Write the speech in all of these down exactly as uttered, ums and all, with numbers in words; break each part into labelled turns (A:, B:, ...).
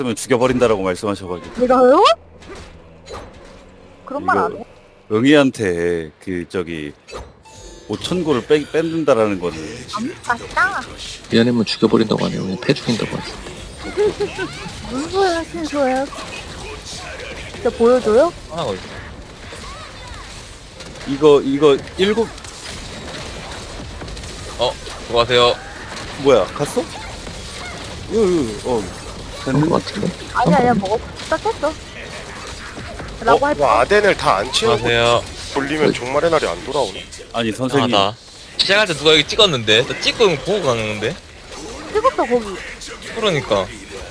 A: 그러면 죽여버린다라고 말씀하셔가지고
B: 내가요? 그런 말
A: 이거-
B: 안 해.
A: 응이한테 그 저기 오천 고를 빼, 뺏는다라는 거는
B: 안 맞다.
C: 미안하면 죽여버린다고 하네요. 그냥 패 죽인다고 하지.
B: 무슨 소리 하시는 거예요? 진짜 보여줘요?
D: 하나 어디?
A: 이거 이거 일곱
D: 어, 수고하세요.
A: 뭐야 갔어? 이거 이거 어
C: 그런
A: 됐는데
C: 것 같은데.
B: 아니 아니야 먹었어. 딱 했어. 라고 할
E: 뭐
B: 뻔.
E: 아덴을 다 안 채우고
D: 수고하세요.
E: 돌리면 종말의 날이 안 돌아오네.
A: 아니 선생님
D: 아, 나 시작할 때 누가 여기 찍었는데? 나 찍고 이거 보고 가는데?
B: 찍었어 거기.
D: 그러니까.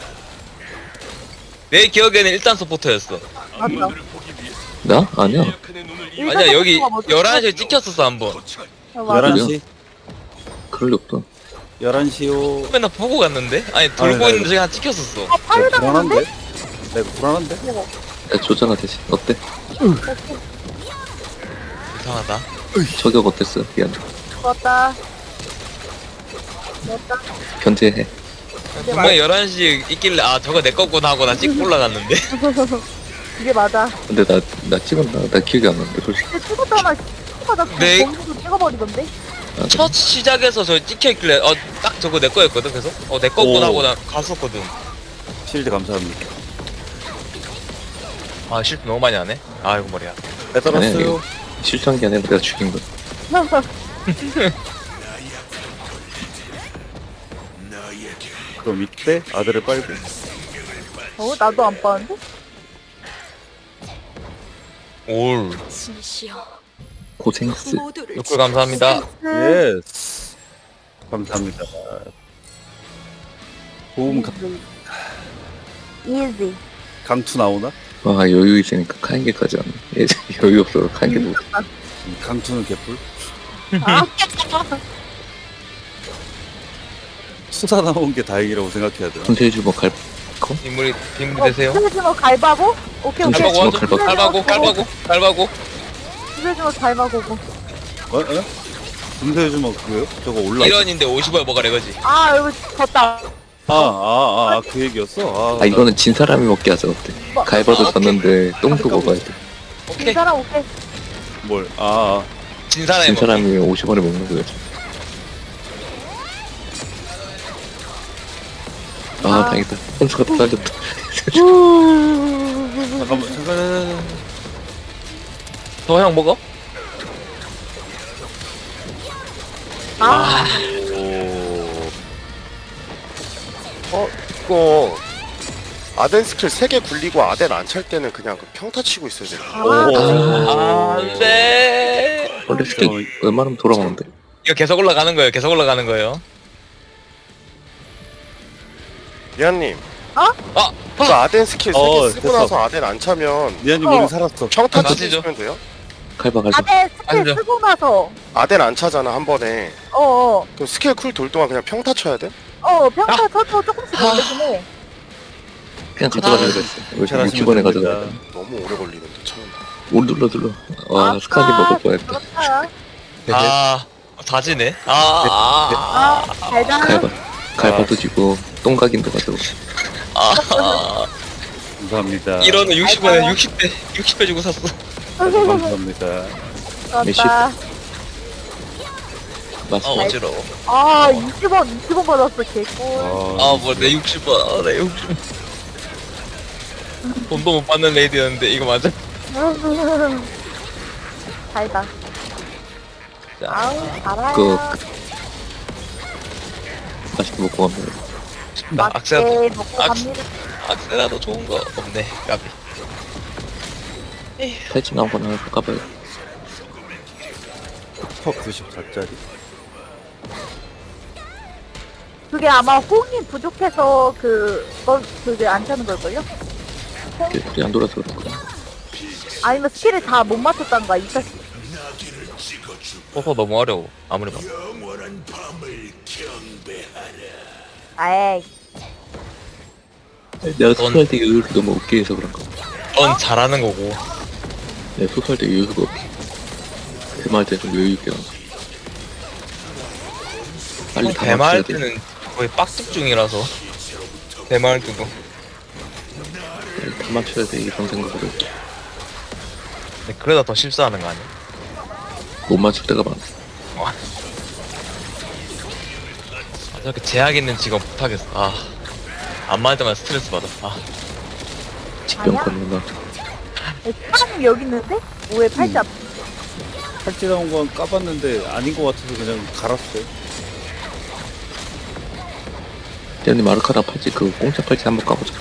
D: 내 기억에는 일단 서포터였어.
B: 맞다.
C: 나? 아니야.
D: 아니야, 여기
B: 일단 서포터가
D: 열한 시에
B: 먼저
D: 찍혔었어, 한 번.
B: 찍었어. 어, 맞아.
A: 열한 시
C: 그럴 리 없다.
A: 열한 시요.
D: 맨날 보고 갔는데? 아니, 돌고
A: 아니, 나
D: 있는데 저기 하나 찍혔었어.
B: 아 파일
A: 내가
B: 당했는데?
A: 불안한데? 내가 불안한데?
B: 먹어.
C: 야, 조잖아 대신. 어때?
D: 이상하다.
C: 저격 어땠어? 미안.
B: 좋았다. 좋았다.
C: 견제해.
D: 분명히 열한 시에 있길래, 아, 저거 내 거구나 하고 나 찍고 올라갔는데?
B: 이게 맞아.
C: 근데 나, 나 찍었나? 나 기억이 안 나는데, 솔직히.
B: 근데 찍었잖아. 찍어다
D: 네.
B: 거기서 찍어버리던데?
C: 아,
D: 첫 시작에서 저 찍혀있길래, 어, 딱 저거 내 거였거든, 그래서? 어, 내 거구나
A: 오.
D: 하고 나 갔었거든.
A: 실드 감사합니다.
D: 아, 실패 너무 많이 하네? 아이고, 머리야.
A: 빼달았어요.
C: 실수한 게 아니라 내가 죽인 거야.
A: 그럼 이때 아들을 빨고
B: 어 나도 안 빠는데?
D: 올.
F: 진시여
C: 고생스.
F: 모두를
D: 욕글 감사합니다.
B: 네.
A: 예스 감사합니다. 보험 가-
B: 이지.
A: 강투 나오나?
C: 와, 여유 있으니까 카인게까지 안 해. 예전 여유 없어서 카인게 못.
A: 음, 강투는 개뿔.
B: 아,
A: 수사 나온 게 다행이라고 생각해야 돼.
C: 손태주 뭐 갈, 거?
D: 인물이 빈부 되세요.
B: 스베즈모 갈바고? 오케이 오케이.
D: 갈바고 하죠.
C: 갈바고.
D: 갈바고, 갈바고, 갈바고.
B: 스베즈모 갈바고고.
A: 어? 어? 금세 주먹 그거요? 저거 올라.
D: 일원인데 오십 원 먹으래, 그지?
B: 아 여기 졌다.
A: 아아아그 얘기였어. 아,
C: 아, 이거는 진 사람이 먹게 하자, 어때?
B: 뭐,
C: 갈바도
D: 아,
C: 졌는데 똥도 먹어야 돼.
B: 이
D: 오케이.
B: 사람 오케이.
A: 나 뭘? 아, 아.
D: 진 사람이
C: 진
D: 먹기.
C: 사람이 오십 원에 먹는 거지. 아,
B: 아.
C: 다행이다. 혼수가 또 살렸다.
A: 잠깐만 잠깐.
D: 더 형 먹어?
B: 아,
A: 오.
E: 어 이거 아덴 스킬 세 개 굴리고 아덴 안 찰 때는 그냥 그 평타 치고 있어야 돼.
B: 아,
D: 아, 안 돼.
C: 원래 스택 웬만하면 돌아가는데.
D: 이거 계속 올라가는 거예요, 계속 올라가는 거예요.
E: 미안님,
D: 아!
E: 그 아덴 스킬 세 개
A: 어,
E: 쓰고
A: 됐어.
E: 나서 아덴 안 차면
A: 미안님
B: 어.
A: 우리 살았어.
E: 평타
D: 맞죠?
E: 치시면 돼요?
C: 갈바, 갈바.
B: 아대 스킬
D: 아니죠.
B: 쓰고 나서
E: 아덴 안 차잖아 한 번에.
B: 어어
E: 그럼 스킬 쿨 돌 동안 그냥 평타 쳐야 돼?
B: 어 평타 쳐도 조금씩 올리긴 해.
C: 그냥 가져가자 그랬어. 왜
A: 잘하시면
C: 육십 원에
A: 됩니다.
C: 가져가.
E: 너무 오래 걸리는데 처음.
C: 올 눌러 눌러. 와,
B: 아,
C: 스카디 먹을 뻔했다.
B: 그렇다.
D: 아, 다지네. 아, 아,
B: 아 달달한.
C: 갈바. 갈바도 지고 똥각인도 가져고.
D: 아, 아.
A: 감사합니다.
D: 이러는 육십 원에 육십 배, 육십 배 주고 샀어.
A: 감사합니다.
C: 메시.
B: 그렇다.
D: 아,
C: 맛있어.
D: 어지러워.
B: 아 이십 원 이십 원 받았어 개꿀.
D: 아, 뭐, 내 육십 원. 아, 내 육십 원. 돈도 못 받는 레이디였는데, 이거 맞아?
B: 달다.
D: 자,
B: 아우 달아요.
C: 그, 맛있게 먹고 가면.
D: 나 악세라,
B: 맛있게 먹고
D: 악-
B: 갑니다.
D: 악세라도 좋은 거 없네, 까비.
C: 팔찌 나온 거나 까봐요.
A: 터 구십사 짜리.
B: 그게 아마 호응이 부족해서 그, 거, 그게 안 차는 걸걸요?
C: 우리 안 돌아서 그렇구나.
B: 아니면 스킬을 다 못 맞췄다는 거야, 이사 씨.
D: 퍼퍼 너무 어려워, 아무리 봐도.
B: 아이,
C: 내가 소수할 때 여유를 너무 없게 해서 그런가.
D: 넌 잘하는 거고.
C: 내가 소수할 때 여유가 없게. 대마할 때 좀 여유 있게 하고. 빨리 다
D: 대마할
C: 맞춰야 돼.
D: 때는 거의 빡집 중이라서. 대마할 때도.
C: 맞춰야 돼 이런 생각을 해.
D: 근데 그러다 더 실수하는 거 아니야?
C: 못 맞출 때가 많아.
D: 아, 저렇게 제약 있는 직업 못하겠어. 아, 안 맞을 때마다 스트레스 받아. 아,
C: 직병
B: 아니야?
C: 걸리나.
B: 사람이 여기 있는데? 왜 팔찌 앞?
A: 팔찌 나온 건 까봤는데 아닌 것 같아서 그냥 갈았어요.
C: 대현님 아르카나 팔찌 그 공짜 팔찌 한번 까보자.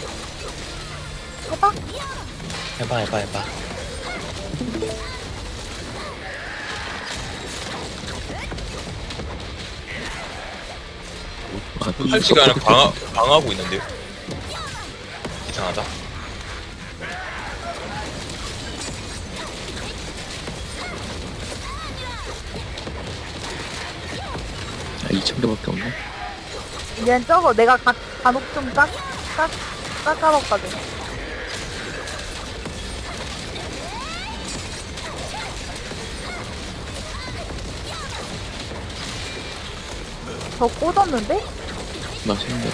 B: 해봐?
D: 해봐, 해봐, 해봐.
C: 아, 그
D: 팔찌가 아니라
C: 섭섭해.
D: 방어, 방어하고 있는데요? 이상하다.
C: 아, 이천 개밖에 없네.
B: 얘는 저거 내가 가, 간혹 좀 깎, 깎, 깎아먹거든. 저 꽂았는데?
C: 맛있는데.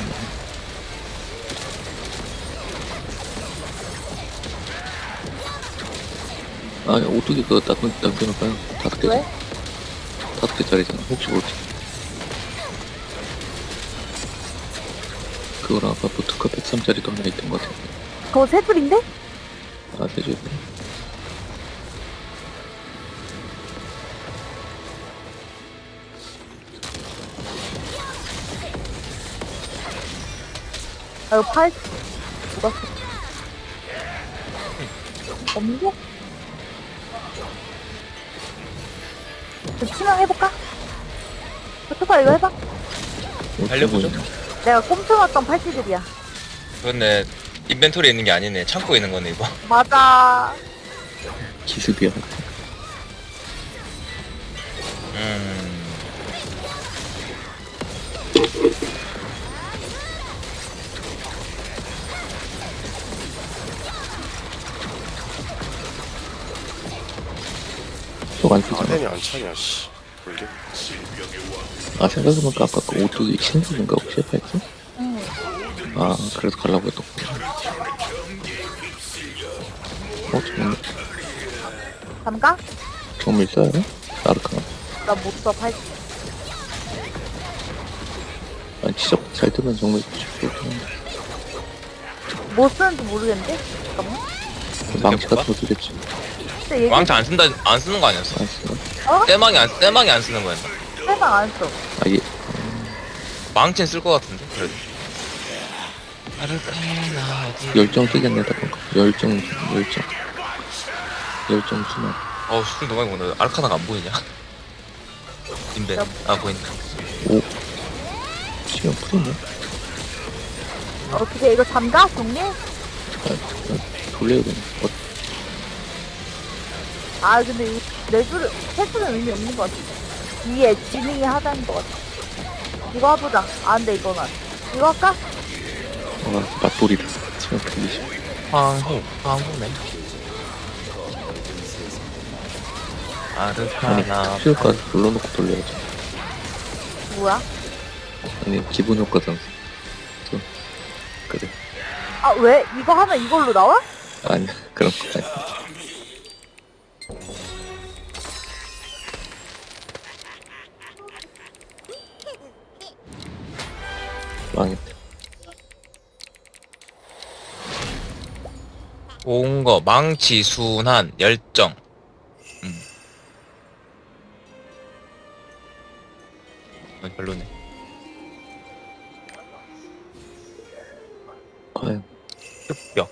C: 아, 오뚜기 그거 닦은, 닦여놓을까요? 다섯 개.
B: 왜?
C: 다섯 개짜리잖아. 혹시 모르지. 그거랑 아까 보트카 백삼짜리도 하나 있던 것 같은데.
B: 그거 세 줄인데?
C: 아, 대주.
B: 아, 이거 팔, 누가 써? 없는데? 저 치명해볼까? 어떡하 이거 해봐?
D: 달려보죠.
B: 내가 꼼쳐놨던 팔찌들이야.
D: 그런데 인벤토리에 있는 게 아니네. 창고에 있는 거네, 이거.
B: 맞아.
C: 기습이야.
D: 음.
C: 저거 안 쓰잖아.
E: 아덴이 안 차냐 씨. 이게
C: 아, 생각해보니까 아까 그 오뚜기 신속인가 혹시 팔찌?
B: 응.
C: 아, 그래서 가려고 했던 거야. 어, 정말,
B: 잠깐?
C: 정말 써요? 아르카나.
B: 나 못 써, 팔찌.
C: 아니, 진짜 잘 뜨면 정말 좋겠긴
B: 뭐 쓰는지 모르겠는데? 잠깐만.
C: 한데. 망치 같은 거 쓰겠지.
B: 근데 얘기
D: 왕창 안 쓴다, 안 쓰는 거 아니었어?
C: 안 쓰나?
B: 어?
D: 떼망이 안, 떼망이 안 쓰는 거였나?
B: 세상 안 써.
C: 아, 얘,
D: 망치는 쓸 것 같은데, 그래도. 아르카나, 어디.
C: 열정 쓰겠네, 다 보니까. 열정, 열정. 열정 순환.
D: 어우, 술 너무 많이 먹는다. 아르카나가 안 보이냐? 인벤. 아, 보인다.
C: 오. 시간 풀었네?
B: 어떻게 이거 잠가? 정리?
C: 아, 아, 돌려야겠네. 어,
B: 아, 근데 이, 네 줄을, 세 줄은 의미 없는 것 같아. 위에 지능이 하자는 것 같아. 이거 해보자. 아, 근데 이거는. 이거 할까?
C: 아, 맞돌이다. 시간 풀리시.
D: 황후, 황후네.
C: 아니,
D: 아르카나.
C: 수요가 눌러놓고 돌려야지.
B: 뭐야?
C: 아니, 기본 효과잖아. 또, 그래.
B: 아, 왜? 이거 하면 이걸로 나와?
C: 아니, 그런 거 아니. 망했다.
D: 온 거, 망치, 순한, 열정. 음. 어, 별로네.
C: 과연.
D: 흑벽.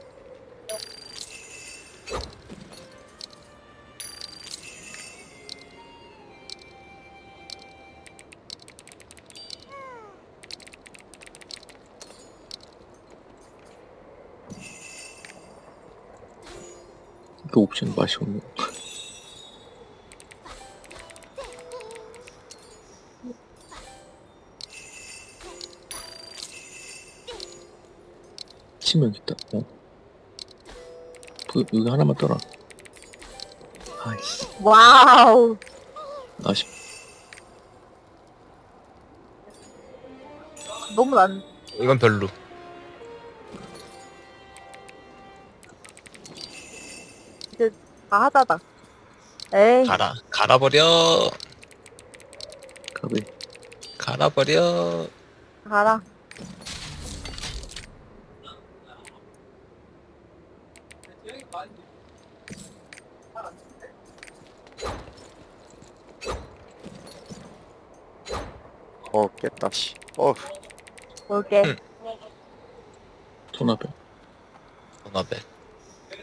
C: 그 옵션 맛이 없네. 치명 있다. 어? 그, 여기 하나만 떠라. 아이씨.
B: 와우.
C: 아쉽.
B: 너무 난,
D: 이건 별로.
B: 이제 다 하다다. 에이,
D: 가라 갈아버려
C: 가비.
D: 갈아버려.
B: 가라.
E: 어 깼다 씨. 어
B: 볼게.
D: 응.
C: 토나벨.
D: 도나벨